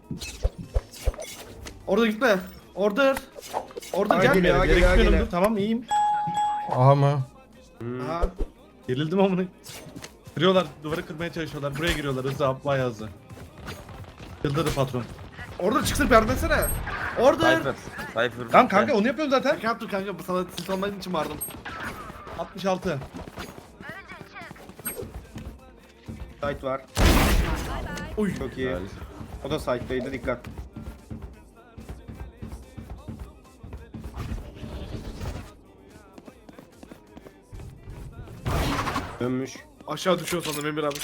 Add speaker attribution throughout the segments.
Speaker 1: Orada gitme. Order. Orada
Speaker 2: Ay,
Speaker 1: gel.
Speaker 2: geliyor,
Speaker 1: Yere
Speaker 2: geliyor,
Speaker 1: gitmiyorum,
Speaker 2: geliyor.
Speaker 1: dur. Tamam iyiyim.
Speaker 3: Aha mı?
Speaker 1: Aha. Gerildim amına. Kırıyorlar, duvarı kırmaya çalışıyorlar. Buraya giriyorlar hızlı, bayağı hızlı. Yıldırdı patron. Orada çıksın yardım etsene. Order.
Speaker 4: Cypher.
Speaker 1: Tamam kanka onu yapıyorum zaten.
Speaker 2: Kanka dur kanka, sana tilt olmak için vardım.
Speaker 1: 66.
Speaker 2: Site var.
Speaker 1: Uy.
Speaker 2: Çok iyi. O da site'daydı, dikkat. Dönmüş.
Speaker 1: Aşağı düşüyor sanırım Emir abi.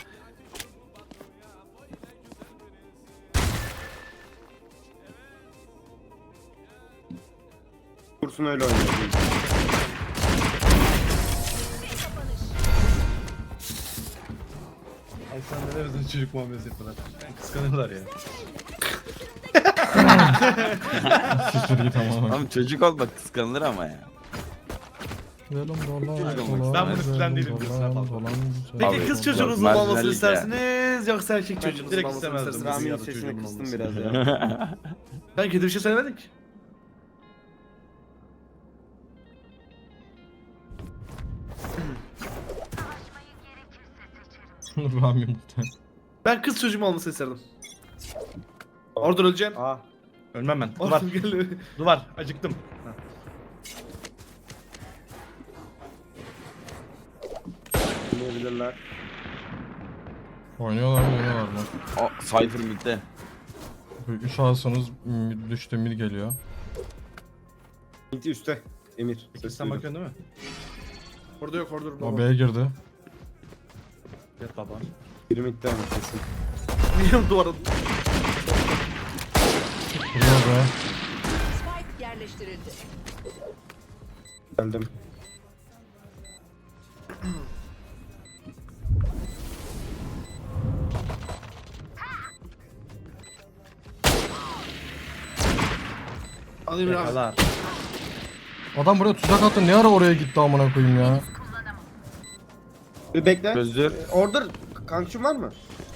Speaker 2: Kursun öyle oynuyor.
Speaker 1: Ay sen ne özel çocuk muamelesi yapıyorlar. Kıskanırlar ya.
Speaker 3: Siktir git ama.
Speaker 4: Oğlum çocuk olmak kıskanılır ama ya.
Speaker 3: Ben
Speaker 1: bunu sizden değilim diyorsun, ha, pardon. Peki
Speaker 4: Abi,
Speaker 1: kız çocuğunuzun
Speaker 4: yok,
Speaker 1: olmasını
Speaker 4: marjinallik
Speaker 1: istersiniz yoksa erkek
Speaker 2: Ben
Speaker 1: çocuğunuzun
Speaker 2: direkt
Speaker 1: olmasını
Speaker 2: istemezdim.
Speaker 1: istersiniz?
Speaker 2: Rami'nin
Speaker 1: Ya da
Speaker 2: sesini
Speaker 1: çocuğumun
Speaker 2: kıstım
Speaker 1: olmasını.
Speaker 2: biraz ya.
Speaker 1: Ben kötü bir şey söylemedim ki.
Speaker 3: Rami muhtemelen.
Speaker 1: Ben kız çocuğum olmasını isterdim. Orada öleceğim.
Speaker 2: Aa.
Speaker 1: Ölmem ben. Duvar.
Speaker 2: Orada geliyor.
Speaker 1: Duvar. Acıktım. Ha.
Speaker 2: Oynayabilirler.
Speaker 3: Oynuyorlar mı?
Speaker 4: O Cypher midde.
Speaker 3: 3 alsanız düştü mid geliyor.
Speaker 2: Minti üstte. Emir.
Speaker 1: Peki
Speaker 2: Ses
Speaker 1: sen
Speaker 2: duydum.
Speaker 1: bakıyorsun değil mi?
Speaker 2: Orada yok, orada
Speaker 3: O
Speaker 2: baba.
Speaker 3: B'ye girdi.
Speaker 1: Evet baba.
Speaker 2: Biri mitte ama kesin.
Speaker 1: Niye duvarın?
Speaker 3: Vuruyor be.
Speaker 5: Spike yerleştirildi.
Speaker 2: Geldim.
Speaker 1: Alayım Emir abi.
Speaker 3: Adam buraya tuzak attı. Ne ara oraya gitti amına koyayım ya.
Speaker 2: Bir bekle.
Speaker 4: Gözler.
Speaker 2: Order. Kankçum var mı?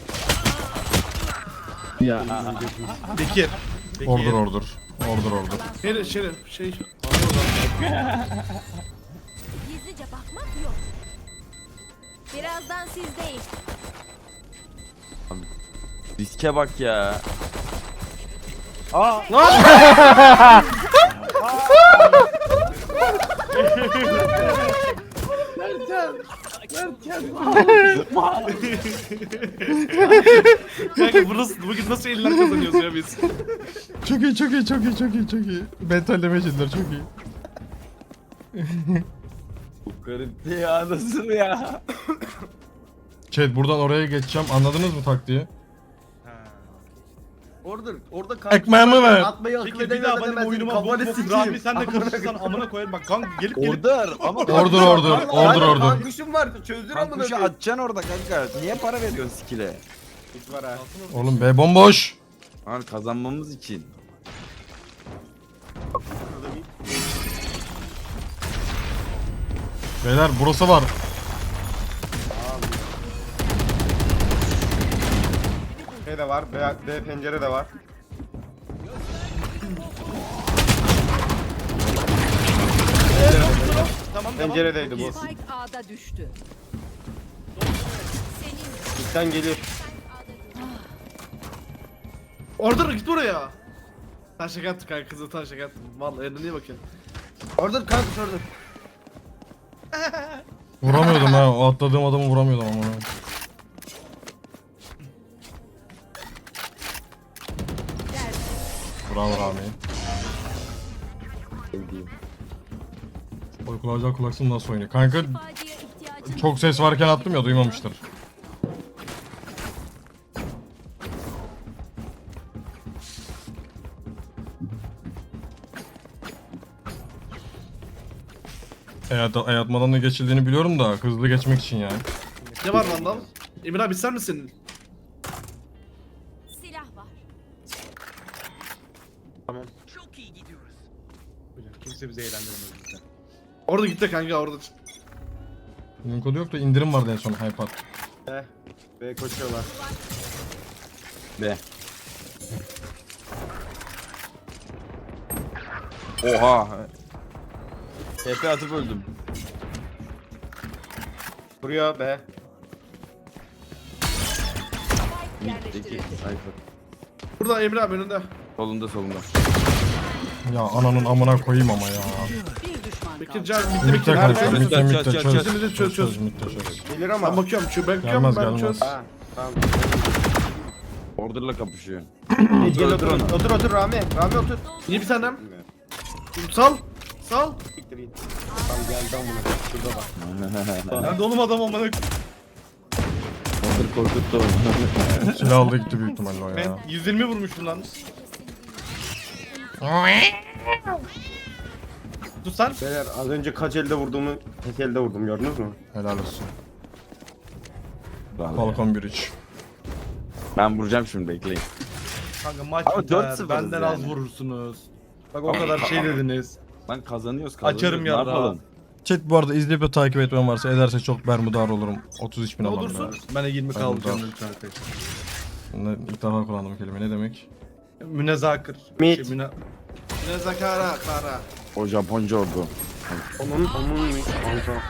Speaker 1: Bekir. Bekir.
Speaker 3: Order.
Speaker 1: Şey.
Speaker 5: Gizlice bakmak yok. Birazdan sizdeyim.
Speaker 4: Riske bak ya.
Speaker 1: Kanka bugün nasıl eller kazanıyoruz ya biz?
Speaker 3: Çok iyi. Mentalleme şeyler çok iyi.
Speaker 4: Bu garipti ya, nasıl ya?
Speaker 3: Chat buradan oraya geçeceğim. Anladınız mı taktiği?
Speaker 2: Order. Orada kankçum.
Speaker 3: Ekmeğimi ver.
Speaker 2: Atmayı akıl
Speaker 1: Peki bir daha
Speaker 2: edemeden
Speaker 1: benim oyunuma
Speaker 2: kafanı
Speaker 1: bok
Speaker 2: sikeyim.
Speaker 1: Rami sen de karışırsan amına koyarım bak kanka gelip
Speaker 4: Order ama
Speaker 3: Order.
Speaker 2: Kankuşum var. Çözdür amına
Speaker 4: Kankuşu
Speaker 2: koyayım.
Speaker 4: atacaksın orada kanka. Niye para veriyorsun skill'e?
Speaker 2: Hiç var ha.
Speaker 3: Oğlum B bomboş.
Speaker 4: Lan kazanmamız için.
Speaker 3: Beyler burası var.
Speaker 2: Şey de var. B pencere de var.
Speaker 1: Tamam
Speaker 2: Penceredeydi bu.
Speaker 5: Spike A'da düştü.
Speaker 2: İçten gelir.
Speaker 1: Order git buraya. Sen şaka yaptın kanka kızı tan şaka yaptın. Vallahi eline niye bakıyorsun?
Speaker 2: Order kankuş order.
Speaker 3: Vuramıyordum ha. O atladığım adamı vuramıyordum ama. Bravo Rami. Oy kulağıca kulaksın nasıl oynuyor? Kanka
Speaker 5: Şifacıya ihtiyacım
Speaker 3: çok ses varken attım ya duymamıştır. Yatmadan da geçildiğini biliyorum da hızlı geçmek için yani.
Speaker 1: Ne var vandal? Emir abi ister misin?
Speaker 5: silah var.
Speaker 1: Kimse bizi eğlendiremez bizden. Orada gitti kanka orada.
Speaker 3: Bunun kodu yok da indirim vardı en son Hyper.
Speaker 2: B koşuyorlar.
Speaker 4: Be. Oha. TP atıp öldüm.
Speaker 2: Vuruyor be.
Speaker 5: Spike
Speaker 4: Mitteki
Speaker 5: yerleştirildi.
Speaker 4: Cypher.
Speaker 1: Burada Emre abi önünde.
Speaker 4: Solunda.
Speaker 3: Ya ananın amına koyayım ama ya.
Speaker 5: Bir düşman
Speaker 1: Bekir
Speaker 5: kaldı.
Speaker 1: can.
Speaker 3: Mitte kalsın, mitte
Speaker 4: Çöz,
Speaker 3: mitte
Speaker 4: çöz,
Speaker 3: çöz.
Speaker 4: çöz,
Speaker 1: çöz, çöz, çöz.
Speaker 3: Mitte çöz.
Speaker 2: Gelir ama.
Speaker 1: Ben bakıyorum şu ben
Speaker 3: Gelmez,
Speaker 1: ben
Speaker 3: gelmez.
Speaker 1: çöz.
Speaker 2: Ha, tamam.
Speaker 4: Order'la kapışıyor.
Speaker 2: Gel otur Rami. Rami otur.
Speaker 1: İyi bir tanem. Sal. Sal.
Speaker 2: Siktir git. Tamam geldi amına. Şurada bak.
Speaker 1: Ben de oğlum adam amına.
Speaker 4: Order korkuttu.
Speaker 3: Silah aldı gitti büyük ihtimalle o
Speaker 1: Ben
Speaker 3: ya.
Speaker 1: 120 vurmuşum lan. Dur sen.
Speaker 2: Beyler az önce kaç elde vurduğumu tek elde vurdum gördünüz mü?
Speaker 3: Helal olsun. Balkon bir iç.
Speaker 4: Ben vuracağım şimdi, bekleyin.
Speaker 1: Kanka maç
Speaker 4: Ama
Speaker 1: biter.
Speaker 4: 4-0'ız
Speaker 1: Benden az
Speaker 4: yani.
Speaker 1: vurursunuz. Bak o kadar şey dediniz.
Speaker 4: Lan kazanıyoruz.
Speaker 1: Açarım
Speaker 4: Ne
Speaker 1: yarrağı.
Speaker 4: yapalım?
Speaker 3: Chat bu arada izleyip de takip etmem varsa ederse çok bermudar olurum. 33 bin
Speaker 1: Ne
Speaker 3: alalım
Speaker 1: olursun?
Speaker 3: ya.
Speaker 1: Ben de 20
Speaker 3: Ben
Speaker 1: kalacağım
Speaker 3: de.
Speaker 1: lütfen arkadaşlar.
Speaker 3: Ben ilk defa kullandım kelime ne demek?
Speaker 1: Münezakır.
Speaker 2: Mit.
Speaker 1: Münezakara kara.
Speaker 4: O Japonca oldu.
Speaker 2: Onun kanka.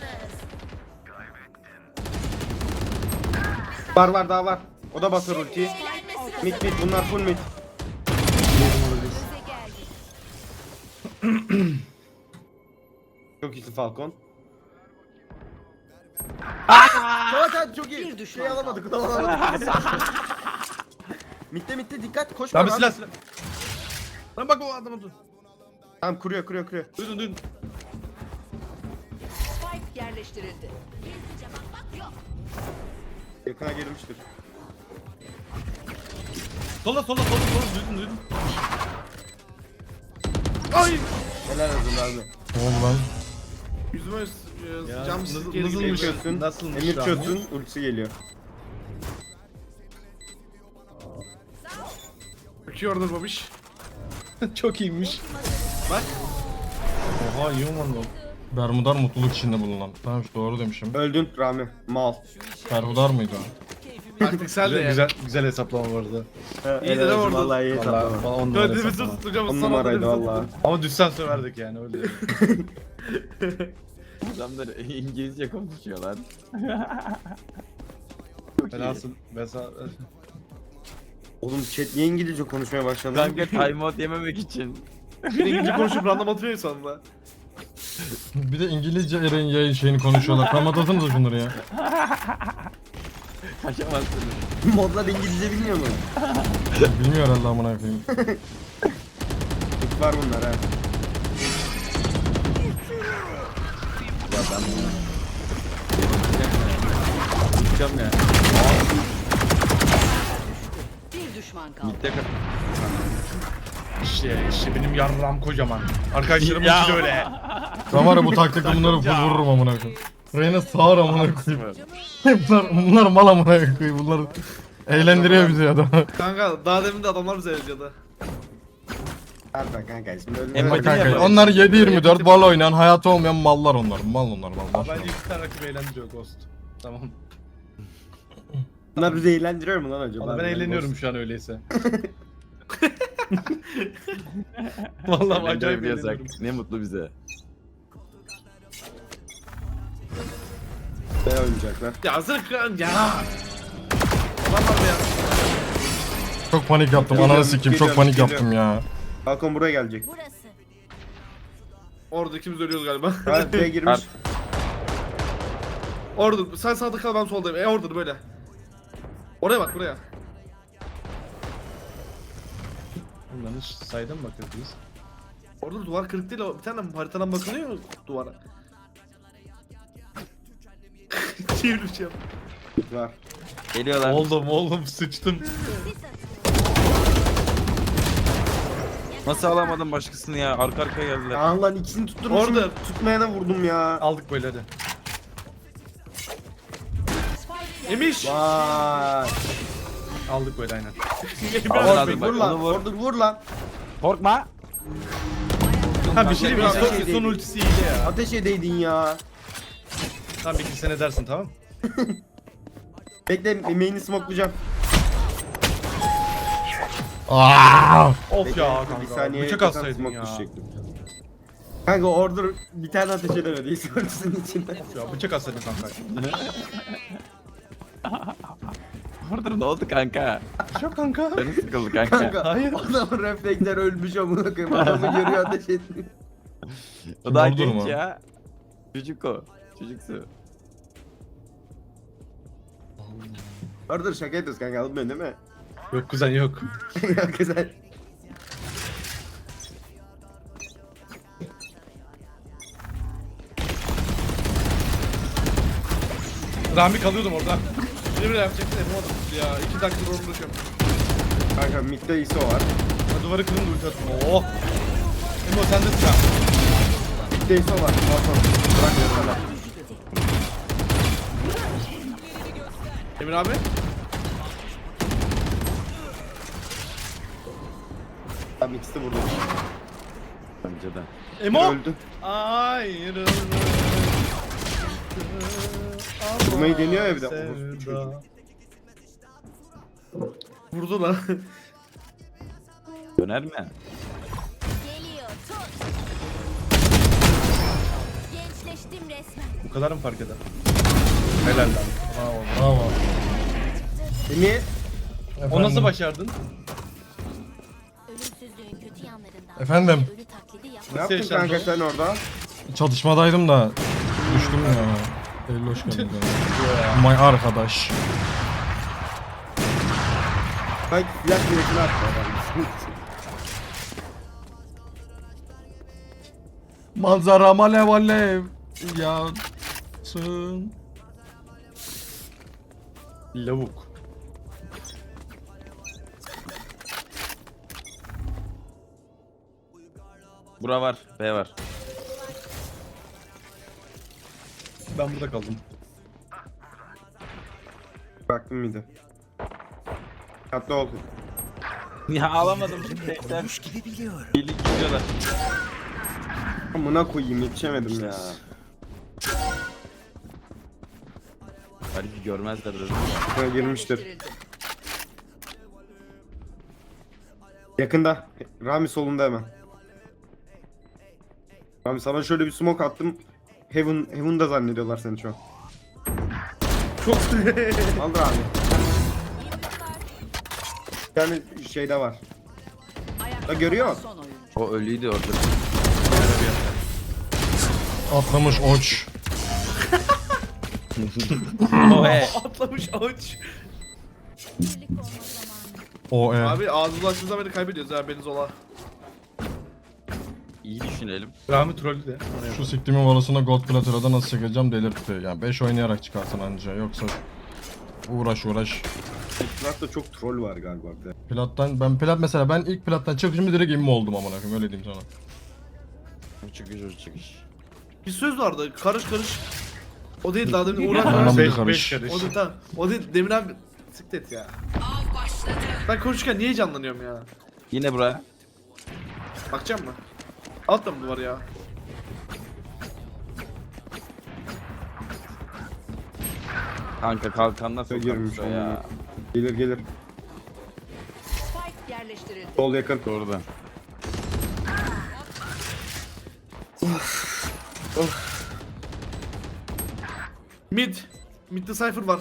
Speaker 2: Var daha var. O da basar ultiyi. Mid bunlar full mid. Çok iyisin Falcon. Evet çok iyi.
Speaker 5: Bir düşman
Speaker 2: Şey alamadık, alamadık. Mitte dikkat koşma
Speaker 1: Lan bir
Speaker 2: lan.
Speaker 1: silah. Lan bak o adamı dur.
Speaker 2: Tamam kuruyor.
Speaker 1: Duydun.
Speaker 5: Spike yerleştirildi. Gizlice bakmak yok.
Speaker 2: Yakına gelmiştir.
Speaker 1: Sola duydun. Ay!
Speaker 2: Helal olsun abi.
Speaker 3: Ne oldu lan?
Speaker 1: Yüzüme
Speaker 2: Ya,
Speaker 1: cam
Speaker 2: nasıl-
Speaker 1: geri
Speaker 2: Emir
Speaker 1: geliyor.
Speaker 2: çözsün.
Speaker 1: Nasılmış
Speaker 2: Emir
Speaker 1: Rami?
Speaker 2: çözsün. Ultisi geliyor.
Speaker 1: Bakıyordur babiş. Çok iyiymiş. Bak. Oha iyi olmadı.
Speaker 3: Bermudar mutluluk içinde bulunan. Tamam işte doğru demişim.
Speaker 2: Öldün Rami. Mal.
Speaker 3: Bermudar mıydı o?
Speaker 1: Taktiksel de güzel hesaplama bu arada. İyi de
Speaker 2: Helal olsun,
Speaker 1: vurdun.
Speaker 2: Vallahi iyi hesaplama.
Speaker 1: Valla 10 numara
Speaker 2: On
Speaker 1: hesaplama.
Speaker 2: numaraydı valla.
Speaker 1: Ama düşsen söverdik yani öyle.
Speaker 4: Adamlar İngilizce konuşuyorlar.
Speaker 1: Fenasın. Mesela
Speaker 2: Oğlum chat niye İngilizce konuşmaya başladı?
Speaker 4: Kanka timeout yememek için.
Speaker 1: bir İngilizce konuşup random atıyor sonunda.
Speaker 3: Bir de İngilizce Eren yayın şeyini konuşuyorlar. Anlatsanıza şunları ya.
Speaker 4: Kaçamazsın.
Speaker 2: Modlar İngilizce bilmiyor mu?
Speaker 3: Bilmiyor herhalde amına koyayım.
Speaker 2: Tık var bunlar ha.
Speaker 4: Ya ben bunu... Çıkacağım ya.
Speaker 5: Bir düşman kaldı.
Speaker 4: Mitte
Speaker 1: İşte benim yarram kocaman. Arkadaşlarım
Speaker 4: Ya.
Speaker 1: için öyle.
Speaker 3: Ben var ya bu taktikle bunları full vururum amına koyayım. Reyna sağır amına koyayım. bunlar mal amına koyayım. Bunlar eğlendiriyor bizi adam.
Speaker 1: Kanka daha demin de adamlar bize yazıyordu.
Speaker 2: Harbiden kanka şimdi öyle.
Speaker 4: Empati
Speaker 3: Kanka
Speaker 4: yapalım.
Speaker 3: onlar 7-24 bal oynayan hayatı olmayan mallar onlar. Mal onlar mal.
Speaker 1: Bence iki tane rakip eğlendiriyor Ghost. Tamam.
Speaker 2: Bunlar bizi eğlendiriyor mu lan acaba?
Speaker 1: Valla ben eğleniyorum şu an öyleyse. Vallahi acayip
Speaker 4: Eğlendirebiliyorsak
Speaker 1: eğleniyorum.
Speaker 4: ne mutlu bize.
Speaker 2: Ne oynayacaklar?
Speaker 1: Ya zırkın ya. Adamlar da ya.
Speaker 3: Çok panik yaptım ananı sikeyim çok panik yaptım ya.
Speaker 2: Falcon buraya gelecek.
Speaker 5: Burası.
Speaker 1: Orada ikimiz ölüyoruz galiba.
Speaker 2: Evet buraya girmiş.
Speaker 1: Orada sen sağda kal ben soldayım. Orada böyle. Oraya bak buraya. Bundan hiç sayıdan mı bakıyoruz? Orada duvar kırık değil o. Bir tane haritadan bakılıyor mu duvara? Çevirmişim.
Speaker 2: Var.
Speaker 4: Geliyorlar.
Speaker 1: Oldum sıçtım.
Speaker 4: Nasıl alamadım başkasını ya? Arka arkaya geldiler.
Speaker 2: Aa lan ikisini tutturmuşum.
Speaker 1: Orada.
Speaker 2: Tutmayana vurdum ya.
Speaker 1: Aldık böyle hadi.
Speaker 5: Spike
Speaker 1: Emiş.
Speaker 2: Vay.
Speaker 1: Aldık böyle aynen.
Speaker 4: Alın abi,
Speaker 2: Vur
Speaker 4: bak,
Speaker 2: lan.
Speaker 4: onu vur.
Speaker 2: Vur lan.
Speaker 4: Korkma.
Speaker 1: Ha bir şey diyeyim
Speaker 2: Kanka,
Speaker 1: mi?
Speaker 2: şey
Speaker 1: Son
Speaker 2: değil.
Speaker 1: ultisi iyiydi ya.
Speaker 2: Ateş edeydin ya.
Speaker 1: Tamam bir iki sene dersin tamam.
Speaker 2: Bekle main'i smokelayacağım.
Speaker 3: Aaaa!
Speaker 1: Of
Speaker 2: Bekle,
Speaker 1: ya
Speaker 2: bir
Speaker 1: kanka.
Speaker 2: saniye
Speaker 1: Bıçak
Speaker 2: yakın
Speaker 1: atsaydın
Speaker 2: smoke
Speaker 1: ya.
Speaker 2: düşecektim. Kanka order bir tane ateş edemedi İskorçusun içinde.
Speaker 1: Ya bıçak atsaydın kanka.
Speaker 4: Orada ne oldu kanka?
Speaker 1: Çok kanka.
Speaker 4: Beni sıkıldı kanka.
Speaker 2: Kanka
Speaker 1: Hayır.
Speaker 2: adamın refleksler ölmüş amına koyayım. Adamı görüyor ateş etmiyor.
Speaker 4: O daha
Speaker 3: Order
Speaker 4: genç
Speaker 3: mu?
Speaker 4: ya. Çocuk o. Çocuksu.
Speaker 2: Order şaka ediyoruz kanka alınmıyor değil mi?
Speaker 1: Yok kuzen yok.
Speaker 2: Ya güzel.
Speaker 1: Rami kalıyordum orada. Bir yapacaktın yapamadım ya. 2 dakikadır orada uğraşıyorum.
Speaker 2: Kanka midde ISO var.
Speaker 1: Ha, duvarı kırın da ulti atma. Oh. Emo sende sıra.
Speaker 2: Midde ISO var. Balkon. Bırak mesela.
Speaker 1: Emir abi.
Speaker 2: Abi ikisi de burada.
Speaker 4: Bence de.
Speaker 1: Emo.
Speaker 2: Öldü.
Speaker 1: Ayrılır.
Speaker 2: Vurmayı deniyor ya bir de.
Speaker 1: Sevda.
Speaker 2: Orospu çocuğu.
Speaker 1: Vurdu lan.
Speaker 4: Döner mi?
Speaker 6: Geliyor tut. Gençleştim resmen.
Speaker 1: Bu kadar mı fark eder? Helal lan.
Speaker 3: Bravo bravo.
Speaker 2: Emir.
Speaker 1: O nasıl
Speaker 3: Efendim?
Speaker 1: başardın?
Speaker 6: Ölümsüzlüğün kötü yanlarından
Speaker 3: Efendim?
Speaker 6: ölü taklidi yap.
Speaker 2: Ne yaptın
Speaker 1: yaşandı
Speaker 2: kanka
Speaker 1: o?
Speaker 2: sen orada?
Speaker 3: Çatışmadaydım da düştüm ya. Belli hoş geldin. My arkadaş.
Speaker 2: Sanki flash biletini attı adam.
Speaker 3: Manzara alev alev yansın.
Speaker 1: Lavuk.
Speaker 4: Bura var. B var.
Speaker 1: Ben burada kaldım.
Speaker 2: Baktım mıydı? Katlı ol.
Speaker 4: Ya alamadım şimdi. Kuş gibi biliyorum. Birlik gidiyorlar.
Speaker 2: Amına koyayım yetişemedim ya.
Speaker 4: Belki görmezler dedim.
Speaker 2: Buna girmiştir.
Speaker 5: Yerleştirildi.
Speaker 2: Yakında. Rami solunda hemen. Rami sana şöyle bir smoke attım. Heaven'da zannediyorlar seni şu an.
Speaker 1: Çok
Speaker 2: Al Rami. Bir tane şeyde var.
Speaker 5: Ayakta
Speaker 2: Da görüyor
Speaker 5: kalan
Speaker 2: musun?
Speaker 5: son oyuncu.
Speaker 4: O ölüydü orada.
Speaker 3: Atlamış oç.
Speaker 4: O he.
Speaker 1: atlamış avuç.
Speaker 6: Birlik olma zamanı.
Speaker 3: O
Speaker 1: Abi ağzı ulaştığı zaman beni kaybediyoruz ya beniz ola.
Speaker 4: İyi düşünelim.
Speaker 1: Rami trollü de.
Speaker 3: Şu siktimin valasına gold platinada nasıl çıkacağım delirtti. Yani 5 oynayarak çıkarsın anca yoksa uğraş.
Speaker 2: Etrafta çok troll var galiba bir de.
Speaker 3: Mesela ben ilk plattan çıkışımı direkt immo oldum amına koyayım öyle diyeyim sana.
Speaker 4: O çıkış o çıkış.
Speaker 1: Bir söz vardı. Karış karış. O değil daha demin Uğur
Speaker 3: Anlamadı
Speaker 1: abi.
Speaker 3: karış.
Speaker 1: O değil tamam. O değil Demir abi. Siktir ya.
Speaker 5: Av başladı.
Speaker 1: Ben konuşurken niye canlanıyorum ya?
Speaker 4: Yine buraya.
Speaker 1: Bakacağım mı? Altta mı duvar ya?
Speaker 4: Kanka kalkanla
Speaker 2: Girmiş
Speaker 4: sokarmış o ya.
Speaker 2: Gelir.
Speaker 5: Spike yerleştirildi.
Speaker 2: Sol yakın.
Speaker 4: Doğrudan.
Speaker 1: Mid. Mid'de Cypher var.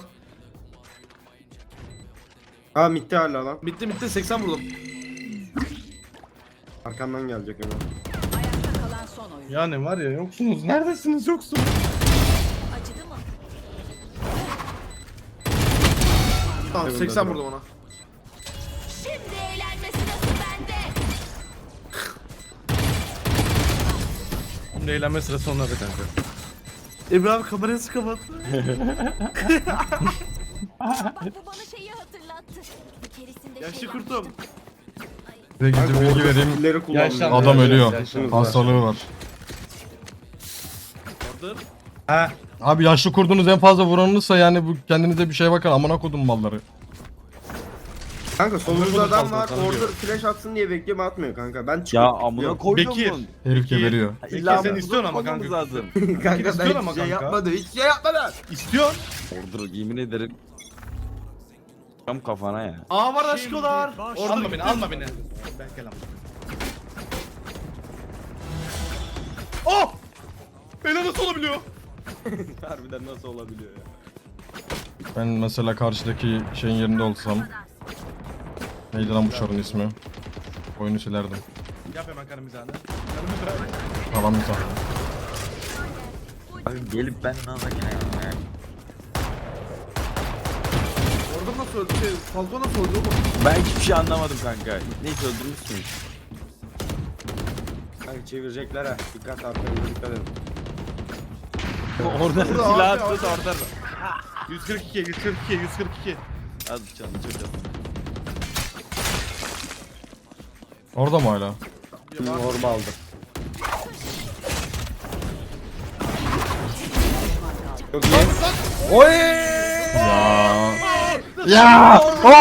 Speaker 2: Ha midde hala lan.
Speaker 1: Mid'de 80 vurdum.
Speaker 2: Arkandan gelecek hemen.
Speaker 5: Ayakta kalan son oyuncu.
Speaker 1: Yani var ya yoksunuz. Neredesiniz yoksunuz?
Speaker 6: Acıdı mı?
Speaker 1: Tamam
Speaker 2: Evet,
Speaker 1: 80
Speaker 2: hadi
Speaker 1: vurdum ona.
Speaker 6: Şimdi eğlenme sırası bende.
Speaker 1: Şimdi eğlenme sırası onlarda kanka. Emre abi kamerası kapat.
Speaker 6: Bak bu bana şeyi hatırlattı. Bir keresinde
Speaker 1: Yaşlı
Speaker 6: şey
Speaker 1: kurtum.
Speaker 6: yapmıştım.
Speaker 3: Size gidip bilgi vereyim.
Speaker 2: Skill'leri kullanmıyor.
Speaker 1: Yaşlandı.
Speaker 3: Adam ölüyor.
Speaker 1: Yaşlandı.
Speaker 3: Hastalığı var.
Speaker 1: Orada. Ha.
Speaker 3: Abi yaşlı kurdunuz en fazla vuranınızsa yani bu kendinize bir şey bakın amına kodum malları.
Speaker 2: Kanka solumuzda
Speaker 1: Vurmadı
Speaker 2: adam
Speaker 1: kalkan,
Speaker 2: var.
Speaker 1: sana
Speaker 2: Orada
Speaker 1: diyor.
Speaker 2: flash atsın diye bekleyip atmıyor kanka. Ben
Speaker 4: Ya
Speaker 2: çıkıp
Speaker 4: amına koydum
Speaker 1: Bekir.
Speaker 4: mu?
Speaker 3: Herif geberiyor.
Speaker 1: İlla sen istiyorsun ama kanka.
Speaker 4: lazım.
Speaker 2: kanka
Speaker 1: istiyorsun
Speaker 2: ben
Speaker 1: ama
Speaker 2: hiç şey
Speaker 1: kanka.
Speaker 2: yapmadım. Hiç şey yapmadım.
Speaker 1: İstiyorsun.
Speaker 4: Order yemin ederim. Tam kafana ya.
Speaker 1: Aa var aşkolar. Alma beni alma beni. Ben gel Oh! Beyler nasıl olabiliyor?
Speaker 2: Harbiden nasıl olabiliyor ya?
Speaker 3: Ben mesela karşıdaki şeyin yerinde olsam. Neydi lan bu çarın ismi? Oyunu silerdim.
Speaker 1: Yap hemen kanım mizahını. Kanımı bırak.
Speaker 3: Falan bir sahne.
Speaker 4: Abi gelip ben ne yapacağım ya?
Speaker 1: Orada nasıl öldü? Falcon nasıl öldü oğlum?
Speaker 4: Ben hiçbir şey anlamadım kanka. Neyse öldürmüşsün.
Speaker 2: Kanka çevirecekler ha. Dikkat arkalarına dikkat edin.
Speaker 4: Orada silah attı orada.
Speaker 1: 142, 142, 142.
Speaker 4: Az canım çok az.
Speaker 3: Orada mı hala?
Speaker 2: Orba aldı. Çok iyi. Oy!
Speaker 3: Ya. Ya.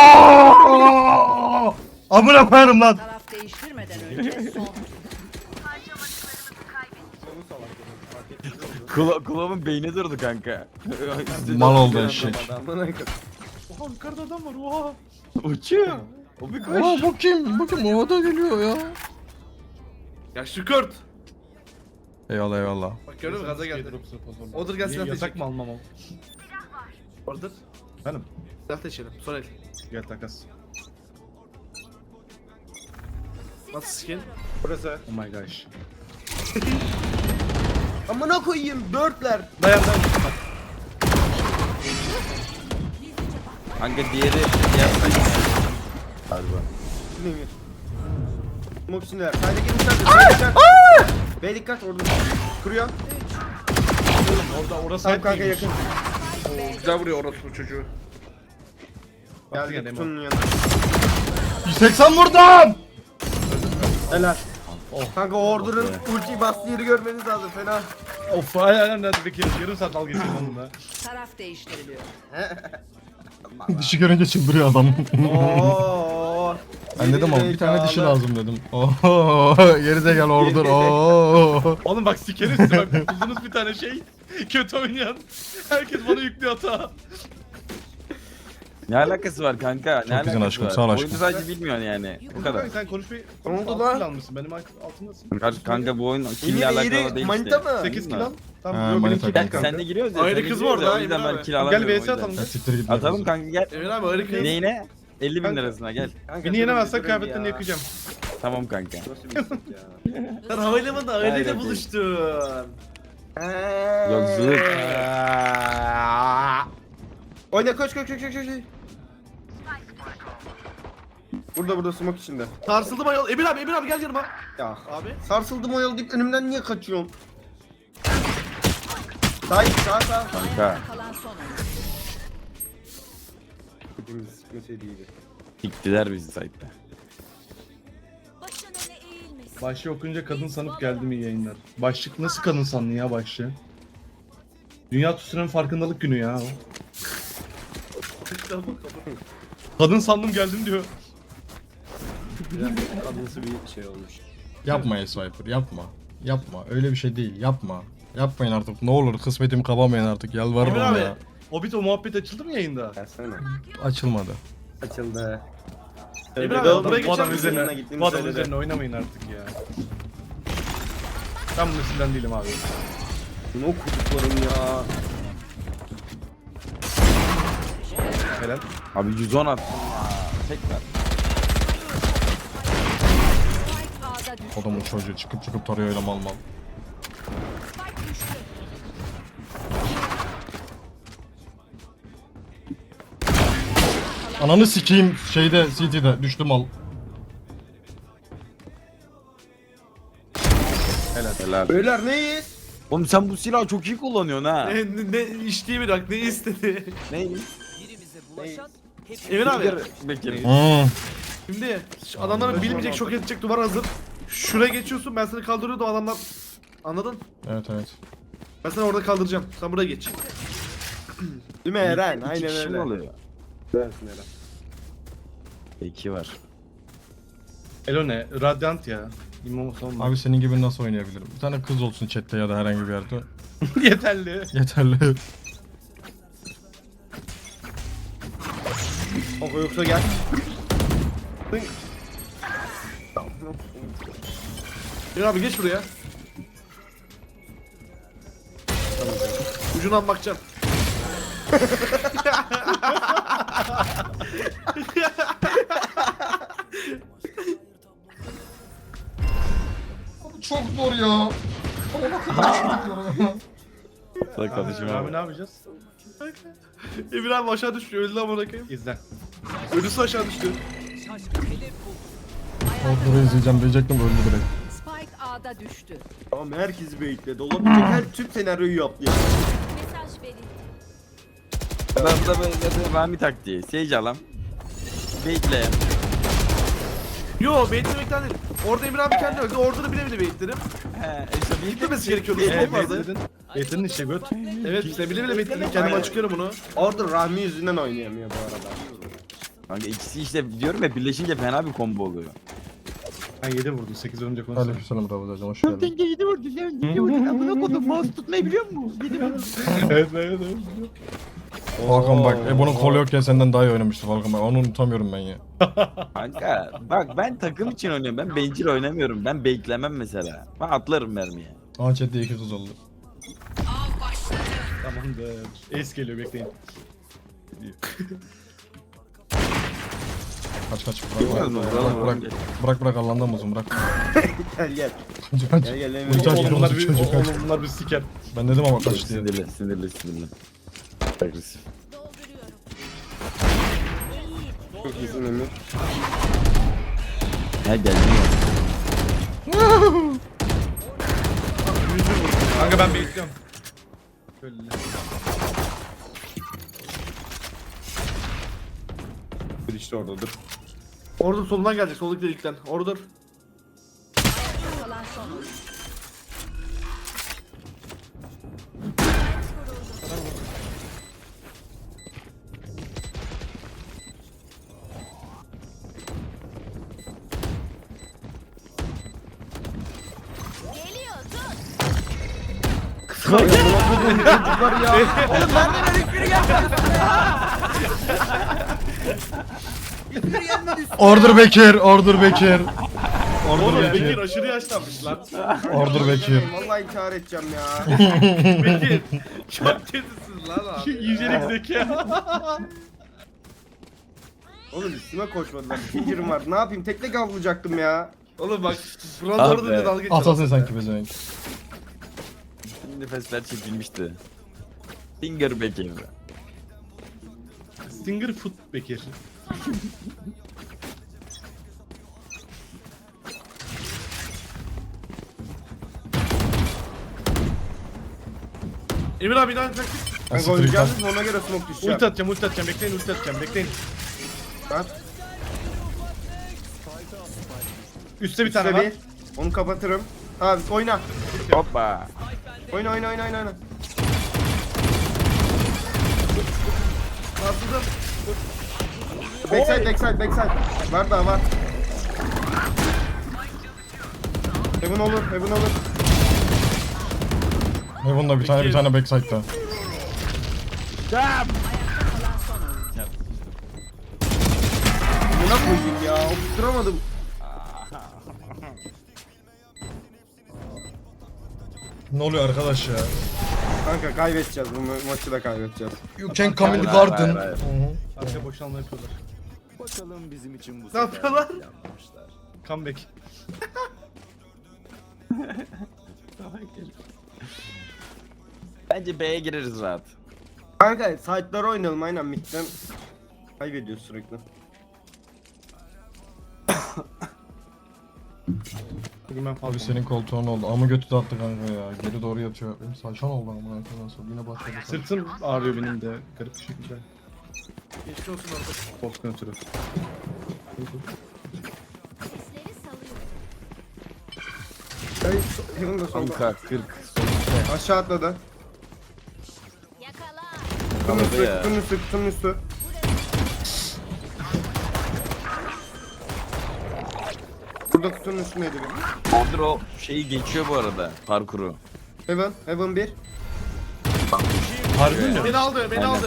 Speaker 3: Oo! Amına koyarım lan.
Speaker 5: Taraf değiştirmeden önce son.
Speaker 4: Kulağımın beyni durdu kanka. Üstünde
Speaker 3: Mal oldu
Speaker 4: uçuyor
Speaker 3: eşek.
Speaker 4: adam.
Speaker 2: Amına koyayım.
Speaker 1: Oha yukarıda adam var oha.
Speaker 4: Uçuyor. O bir
Speaker 3: Aa
Speaker 4: kuş.
Speaker 3: bu kim? Bu kim? O da geliyor ya.
Speaker 1: Ya Şükürt.
Speaker 3: Eyvallah eyvallah.
Speaker 1: Bak gördün mü gaza geldi. Odur gel silah
Speaker 7: Yasak
Speaker 1: teşek.
Speaker 7: mı almam o?
Speaker 1: Ordur.
Speaker 7: Benim.
Speaker 1: Silah teşelim. Sonra el.
Speaker 7: Gel takas.
Speaker 1: Nasıl skin?
Speaker 2: Burası.
Speaker 7: Oh my gosh.
Speaker 2: Amına koyayım. Dörtler.
Speaker 1: Dayan dayan.
Speaker 4: Kanka diğeri yapmayın. Harbi.
Speaker 2: Neymiş? Smoke içindeler. Sayda girmişler. B dikkat orada. Kuruyor.
Speaker 7: Orada orası
Speaker 2: Tamam
Speaker 7: hep
Speaker 2: kanka
Speaker 7: iyiymiş.
Speaker 2: yakın.
Speaker 1: Güzel vuruyor orası bu çocuğu.
Speaker 2: Geldi
Speaker 7: gene
Speaker 2: kutunun yanına.
Speaker 3: 180 vurdum.
Speaker 2: Helal. Kanka Order'ın ulti bastığı yeri görmeniz lazım fena.
Speaker 7: Of aynen hadi Bekir. Yarım saat al geçelim onunla.
Speaker 5: Taraf değiştiriliyor.
Speaker 3: Dişi görünce çıldırıyor adam.
Speaker 2: Oo.
Speaker 3: Ben dedim ama bir tane dişi lazım dedim. Oo, geri de gel order. Oo.
Speaker 7: Oğlum bak sikeriz size bak buldunuz bir tane şey. Kötü oynayan. Herkes bana yüklü hata.
Speaker 4: Ne alakası var kanka? Ne
Speaker 3: güzel
Speaker 4: alakası
Speaker 3: aşkım,
Speaker 4: var?
Speaker 3: sağ ol aşkım.
Speaker 4: Oyunu sadece bilmiyorsun yani. Bu kadar.
Speaker 7: Sen konuşmayı...
Speaker 2: Ne oldu
Speaker 7: altı
Speaker 2: lan?
Speaker 7: kill almışsın benim altındasın.
Speaker 4: Kanka bu oyun
Speaker 2: Yine
Speaker 4: kill alakalı
Speaker 2: eğri
Speaker 4: değil
Speaker 2: manita
Speaker 4: işte.
Speaker 2: mı?
Speaker 7: 8 kill al.
Speaker 3: Ha,
Speaker 7: Tamam yok benim
Speaker 3: manita
Speaker 7: kill
Speaker 3: kanka.
Speaker 7: kanka.
Speaker 4: Sen de giriyoruz ya.
Speaker 1: Ayrı
Speaker 4: sen de
Speaker 1: kız
Speaker 4: giriyoruz
Speaker 1: var
Speaker 4: ya,
Speaker 1: orada,
Speaker 4: O yüzden
Speaker 1: Emre
Speaker 4: ben
Speaker 1: abi.
Speaker 4: kill
Speaker 7: Gel
Speaker 4: alamıyorum.
Speaker 7: VS
Speaker 4: o yüzden.
Speaker 7: atalım.
Speaker 3: Ya siktir git.
Speaker 4: Atalım kanka gel.
Speaker 1: Emir abi ayrı kız.
Speaker 4: Neyine? 50 bin
Speaker 2: Kanka.
Speaker 4: lirasına gel.
Speaker 2: Kanka,
Speaker 7: Beni yenemezsen
Speaker 2: durun ya.
Speaker 7: kıyafetlerini yakacağım.
Speaker 4: Tamam kanka.
Speaker 2: Nasıl bir istek ya?
Speaker 1: Sen havalimanında
Speaker 4: Gayret
Speaker 1: aileyle
Speaker 4: iyi.
Speaker 1: buluştun.
Speaker 4: Yoksulluk.
Speaker 2: Oyna koş koş koş koş koş. Burada smoke içinde.
Speaker 1: Sarsıldım ayol. Emir abi gel yanıma.
Speaker 2: Ya
Speaker 1: Abi.
Speaker 2: sarsıldım o yol deyip önümden niye kaçıyorsun? Sağ.
Speaker 4: Kanka.
Speaker 5: Kalan son oyun.
Speaker 2: Hepimiz sıkmasaydı iyiydi.
Speaker 4: Diktiler bizi site'de.
Speaker 6: Başın öne eğilmesin.
Speaker 7: Başlığı okuyunca kadın sanıp geldim iyi yayınlar. Başlık nasıl kadın sandın ya başlığı? Dünya Tüsü'nün farkındalık günü ya o. Kadın sandım geldim diyor.
Speaker 2: Biraz adımsı bir şey olmuş.
Speaker 3: Yapma Swiper yapma. Yapma öyle bir şey değil yapma. Yapmayın artık ne olur kısmetimi kapamayın artık
Speaker 1: Emir
Speaker 3: yalvarırım
Speaker 1: abi.
Speaker 3: ya.
Speaker 7: O muhabbet açıldı mı yayında?
Speaker 2: Gelsene.
Speaker 3: Açılmadı.
Speaker 2: Açıldı.
Speaker 1: Emir
Speaker 2: Söyledi
Speaker 1: abi
Speaker 2: oğlum,
Speaker 1: buraya
Speaker 7: Bu
Speaker 1: geçer
Speaker 7: adam
Speaker 1: misin?
Speaker 7: üzerine,
Speaker 2: gittiğini
Speaker 7: bu adam
Speaker 2: söyledi.
Speaker 7: üzerine oynamayın artık ya. Ben bu nesilden değilim abi.
Speaker 2: Ne okuduklarım ya.
Speaker 7: Helal.
Speaker 4: Abi 110 attım ya. Tekrar.
Speaker 5: Spike A'da düştü.
Speaker 3: Adamın çocuğu çıkıp tarıyor öyle mal mal.
Speaker 6: Spike düştü.
Speaker 3: Ananı sikeyim şeyde CT'de düştü mal.
Speaker 4: Helal.
Speaker 2: Beyler neyiz?
Speaker 4: Oğlum sen bu silahı çok iyi kullanıyorsun ha.
Speaker 1: Ne içtiği bir bak ne istedi.
Speaker 4: Neymiş?
Speaker 1: Emir abi.
Speaker 4: Bekir.
Speaker 1: Şimdi şu adamların bilmeyecek şok edecek duvar hazır. Şuraya geçiyorsun ben seni kaldırıyordum adamlar. Anladın?
Speaker 3: Evet.
Speaker 1: Ben seni orada kaldıracağım. Sen buraya geç.
Speaker 2: Değil mi Eren?
Speaker 4: İki
Speaker 2: Aynen
Speaker 4: kişi mi
Speaker 2: öyle.
Speaker 4: oluyor?
Speaker 2: Versin Eren.
Speaker 4: 2 var.
Speaker 7: Elo ne? Radiant ya. İmam son
Speaker 3: Abi senin gibi nasıl oynayabilirim? Bir tane kız olsun chatte ya da herhangi bir yerde.
Speaker 7: yeterli.
Speaker 3: Yeterli.
Speaker 2: Oku yoksa gel.
Speaker 1: Emir abi geç buraya.
Speaker 2: atamayacağım.
Speaker 1: Ucundan bakacağım.
Speaker 3: Çok zor ya.
Speaker 4: Bak kardeşim
Speaker 1: Abi
Speaker 4: abi.
Speaker 1: ne yapacağız? İbrahim aşağı düşüyor. Öldü amına koyayım. İzle. Ölüsü aşağı düştü.
Speaker 3: Order'ı izleyeceğim diyecektim öldü direkt.
Speaker 5: Spike A'da düştü.
Speaker 2: Tamam herkesi bekledi. Olabilecek her tüm senaryoyu yaptı ya.
Speaker 6: Mesaj verildi.
Speaker 4: Ben da böyle ben bir taktiği. Sage alam. Bekle.
Speaker 1: Yo baitlemekten değil. Orada Emre abi kendi öldü. Orada da bile bile baitledim.
Speaker 4: He, işte
Speaker 1: Baitlemesi gerekiyordu. Olmazdı. Baitledin işte göt. Evet işte bile bile baitledim. Kendime açıklıyorum bunu.
Speaker 2: Orada Rahmi yüzünden oynayamıyor bu arada.
Speaker 4: Kanka ikisi işte diyorum ya birleşince fena bir combo oluyor.
Speaker 1: Ben 7 vurdum. 8 önce konuştum.
Speaker 3: Aleykümselam Rabbuz hocam hoş geldin.
Speaker 4: 7 vurdu sen 7 vurdu. Amına kodum mouse tutmayı biliyor musun? 7 vurdu.
Speaker 1: Evet evet evet.
Speaker 3: Falcon bak bunun kolu yokken senden daha iyi oynamıştı Falcon bak onu unutamıyorum ben ya.
Speaker 4: Kanka bak ben takım için oynuyorum. Ben bencil oynamıyorum. Ben beklemem mesela. Ben atlarım mermiye.
Speaker 3: Aa chat'te 200 oldu.
Speaker 1: Tamamdır. Ace geliyor bekleyin.
Speaker 3: Kaç
Speaker 4: Bilmiyoruz mu?
Speaker 3: bırak Allah'ından olsun bırak.
Speaker 2: Gel gel.
Speaker 3: Kaç.
Speaker 2: Gel gel
Speaker 3: Kaç, kaç,
Speaker 1: Oğlum bunlar
Speaker 3: kaç,
Speaker 1: bir,
Speaker 3: kaç, kaç.
Speaker 1: oğlum bunlar bir siker.
Speaker 3: Ben dedim ama kaç diye.
Speaker 4: Sinirli. Agresif.
Speaker 6: Dolduruyorum.
Speaker 2: Çok iyisin Emir.
Speaker 4: Ha geldi ya.
Speaker 1: Kanka ben baitliyorum. Şöyle.
Speaker 2: Dur işte oradadır.
Speaker 1: Orada solundan gelecek. Soldaki delikten. Orada.
Speaker 5: Kalan son oyun.
Speaker 6: Geliyor tut.
Speaker 2: Çocuklar ya. Oğlum nereden hiçbiri gelmedi? Hiçbiri gelmedi.
Speaker 3: Order Bekir. Order Bekir.
Speaker 1: Oğlum
Speaker 3: Order
Speaker 1: Bekir
Speaker 3: Bekir.
Speaker 1: aşırı yaşlanmış lan.
Speaker 3: Order Bekir.
Speaker 2: Vallahi intihar edeceğim ya.
Speaker 1: Bekir. Çok kötüsün lan abi. Yücelik zeka.
Speaker 2: Oğlum üstüme koşmadılar. Zincirim var. Ne yapayım? Tekne kavlayacaktım ya.
Speaker 1: Oğlum bak.
Speaker 4: Ah
Speaker 1: Buralarda
Speaker 4: be.
Speaker 1: da dalga geçiyor.
Speaker 3: Asasın sanki bezemek.
Speaker 4: Bütün nefesler çekilmişti. Finger Bekir.
Speaker 1: Stinger foot Bekir. Emir abi daha taktik.
Speaker 2: Kanka oynayacağız mı? Ona göre smoke düşeceğim.
Speaker 1: Ulti atacağım. Bekleyin ulti atacağım. Bekleyin.
Speaker 2: At.
Speaker 1: Üstte bir
Speaker 2: Üstte
Speaker 1: tane var.
Speaker 2: bir. Onu kapatırım. Abi oyna.
Speaker 4: Hoppa.
Speaker 2: Oyna.
Speaker 1: Atladım.
Speaker 2: Backside. Var daha var. Heaven olur.
Speaker 3: Heaven'da bir tane backside'da.
Speaker 2: Buna koyayım ya. Oturtturamadım.
Speaker 3: Ne oluyor arkadaş ya?
Speaker 2: Kanka kaybedeceğiz bu maçı da kaybedeceğiz.
Speaker 3: You can come in the
Speaker 4: Hayır,
Speaker 3: garden.
Speaker 4: hayır.
Speaker 3: Hı hı.
Speaker 1: Arka boşalma yapıyorlar.
Speaker 8: Bakalım bizim için bu
Speaker 1: Ne
Speaker 8: sefer
Speaker 1: yapıyorlar?
Speaker 8: ne yapmışlar.
Speaker 1: Comeback.
Speaker 4: Bence B'ye gireriz rahat.
Speaker 2: Kanka site'lara oynayalım aynen midden. Kaybediyoruz sürekli.
Speaker 1: Bilmem
Speaker 3: Abi senin koltuğun oldu. Ama götü de attı kanka ya. Geri doğru yatıyor. Benim saçan oldu ama arkadan sonra. Yine başladı.
Speaker 1: Sırtım ağrıyor benim de garip bir şekilde. Geçmiş olsun orada. Korkun ötürü.
Speaker 6: Sesleri salıyorum.
Speaker 2: Heaven da solda.
Speaker 4: Kanka 40.
Speaker 2: Aşağı atladı.
Speaker 6: Yakala.
Speaker 2: Kutunun üstü. Burada kutunun üstündeydi benim.
Speaker 4: Order o şeyi geçiyor bu arada. Parkuru.
Speaker 2: Heaven 1.
Speaker 1: Harbi mi? Beni aldı.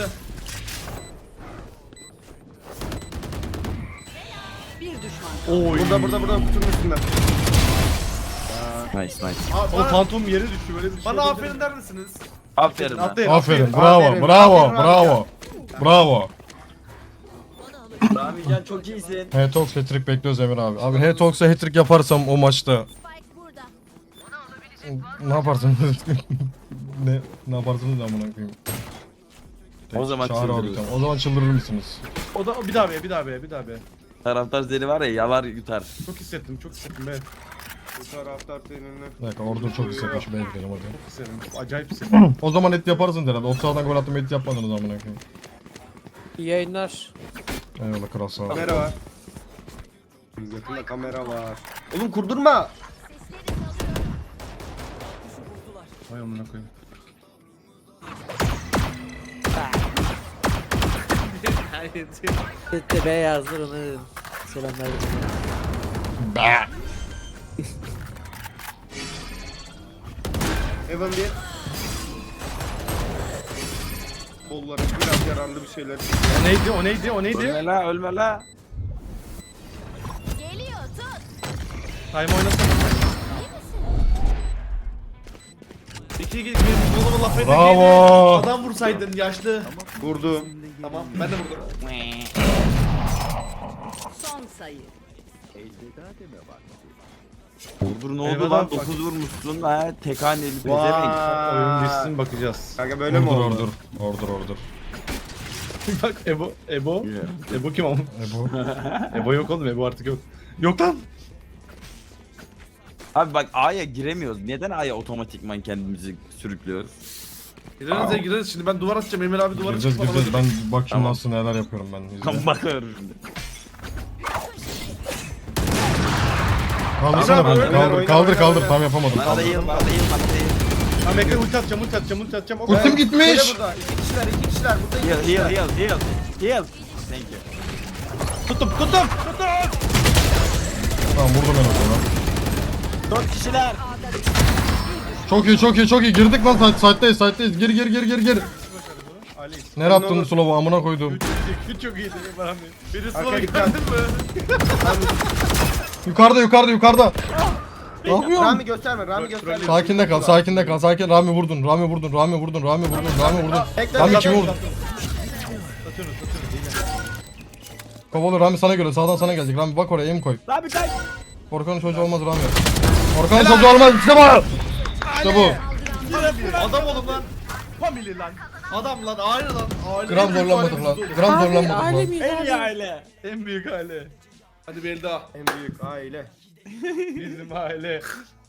Speaker 5: Bir düşman.
Speaker 1: Oy.
Speaker 2: Burada kutunun üstünde.
Speaker 4: Nice.
Speaker 1: O fantom yere düştü böyle bir şey. Bana aferin der misiniz?
Speaker 4: Aferin lan.
Speaker 1: Atlayın,
Speaker 3: Aferin,
Speaker 1: atlayın.
Speaker 3: bravo,
Speaker 2: Aferin,
Speaker 3: bravo,
Speaker 2: aferin abi
Speaker 3: bravo. Bravo.
Speaker 4: Ramican çok iyisin.
Speaker 3: H-Tox hat-trick bekliyoruz Emir abi. Abi H-Tox'a hat-trick yaparsam o maçta
Speaker 6: Spike burada.
Speaker 3: ne yaparsınız? ne yaparsınız amına koyayım?
Speaker 4: O zaman
Speaker 3: Çağrı
Speaker 4: çıldırırız.
Speaker 3: alacağım. O zaman çıldırır mısınız?
Speaker 1: O da bir daha be, bir daha be, bir daha be.
Speaker 4: Taraftar seni var ya yalar yutar.
Speaker 1: Çok hissettim, çok hissettim be.
Speaker 2: Bu taraftar seninle.
Speaker 3: Bir dakika orada çok hissetmiş ben gidelim hadi.
Speaker 1: Çok hissettim, acayip hissettim.
Speaker 3: O zaman et yaparsınız herhalde. O sağdan gol attım et yapmadınız amına koyayım.
Speaker 9: İyi yayınlar.
Speaker 3: Eyvallah kral sağ ol.
Speaker 2: Kamera var. Yakında kamera var. Oğlum kurdurma.
Speaker 1: Vay amına koyayım.
Speaker 9: Chat'te B yazdır ona dedim. Selamlar.
Speaker 2: Evan 1. Kolları biraz yararlı bir şeyler.
Speaker 1: O neydi, o neydi, o neydi?
Speaker 4: Ölme la ölme la.
Speaker 6: Geliyor tut.
Speaker 1: Time oynasana. İki gibi bolu laf edin.
Speaker 3: Bravo.
Speaker 1: Adam vursaydın yaşlı.
Speaker 2: Vurdu.
Speaker 1: Tamam, ben de vurdum.
Speaker 5: Son sayı.
Speaker 4: Vurdur ne oldu
Speaker 1: Eyvallah,
Speaker 4: lan?
Speaker 1: bak.
Speaker 4: 9 vurmuşsun ha. Tek haneli pezevenk.
Speaker 1: Oyun bitsin bakacağız.
Speaker 2: Kanka böyle mi oldu?
Speaker 3: Ordur.
Speaker 1: Bak Ebo, Ebo.
Speaker 4: Yeah.
Speaker 1: Ebo kim oğlum?
Speaker 3: Bu.
Speaker 1: Ebo yok oğlum, Ebo artık yok. Yok lan.
Speaker 4: Abi bak A'ya giremiyoruz. Neden A'ya otomatikman kendimizi sürüklüyoruz?
Speaker 1: Gireriz ya gireriz. Şimdi ben duvar atacağım. Emir abi duvar
Speaker 3: Gireceğiz
Speaker 1: atacak.
Speaker 3: gireceğiz. Ben bak şimdi
Speaker 4: Tamam.
Speaker 3: nasıl neler yapıyorum ben. İzle.
Speaker 4: Tam bakıyorum şimdi.
Speaker 3: Kaldırsana
Speaker 1: Tamam,
Speaker 3: beni.
Speaker 1: öyle,
Speaker 3: Kaldır
Speaker 2: oyna,
Speaker 3: kaldır
Speaker 2: oyna,
Speaker 3: kaldır.
Speaker 2: oyna.
Speaker 3: Tam yapamadım.
Speaker 4: Bana da yıl, bana da yıl, bana da yıl.
Speaker 1: Tamam bekle ulti atacağım, ulti atacağım, ulti atacağım. O
Speaker 3: Ultim
Speaker 1: kadar.
Speaker 3: gitmiş.
Speaker 2: Böyle burada. İki kişiler burada.
Speaker 4: Heal, heal, heal, heal. Heal. Thank you.
Speaker 1: Tuttum.
Speaker 3: Tamam vurdum ben o zaman.
Speaker 4: 4 kişiler.
Speaker 3: Çok iyi. Girdik lan site'deyiz. Gir.
Speaker 1: Ali.
Speaker 3: Nereye attın bu slow'u amına koydum.
Speaker 1: Güç çok iyiydi Emir abi. Biri
Speaker 2: Arka
Speaker 1: sonra
Speaker 2: dikkat.
Speaker 1: gördün mü?
Speaker 3: Yukarıda. Ne yapıyorsun?
Speaker 2: Rami gösterme. Rami gösterme.
Speaker 3: Sakin kal. Sakin. Rami vurdun. Rami
Speaker 2: Bekle.
Speaker 3: kimi vurdu?
Speaker 1: Satıyorsunuz.
Speaker 3: Kovalı Rami sana göre. Sağdan sana gelecek. Rami bak oraya aim koy.
Speaker 4: Abi kaç.
Speaker 3: Korkanın çocuğu olmaz Rami. Korkanın çocuğu olmaz. İşte bu. İşte bu.
Speaker 1: Adam olun lan. Family lan. Adam lan, aile lan. Aile.
Speaker 3: Gram zorlanmadık lan.
Speaker 9: Aile mi?
Speaker 4: aile.
Speaker 1: En büyük aile. Hadi bir daha.
Speaker 2: En büyük aile.
Speaker 1: Bizim aile.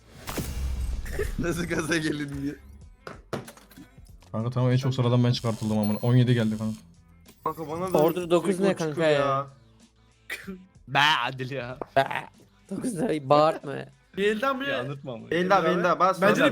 Speaker 4: Nasıl gaza gelin diye.
Speaker 3: Kanka tamam en çok sıradan ben çıkartıldım amına. 17 geldi kanka.
Speaker 2: Kanka bana da
Speaker 9: Order 9 ne kanka ya?
Speaker 1: Be Adil ya.
Speaker 9: 9 lirayı bağırtma ya.
Speaker 1: Bir elden mi? Ya anlatma ama.
Speaker 2: Elda bas.
Speaker 1: Bence de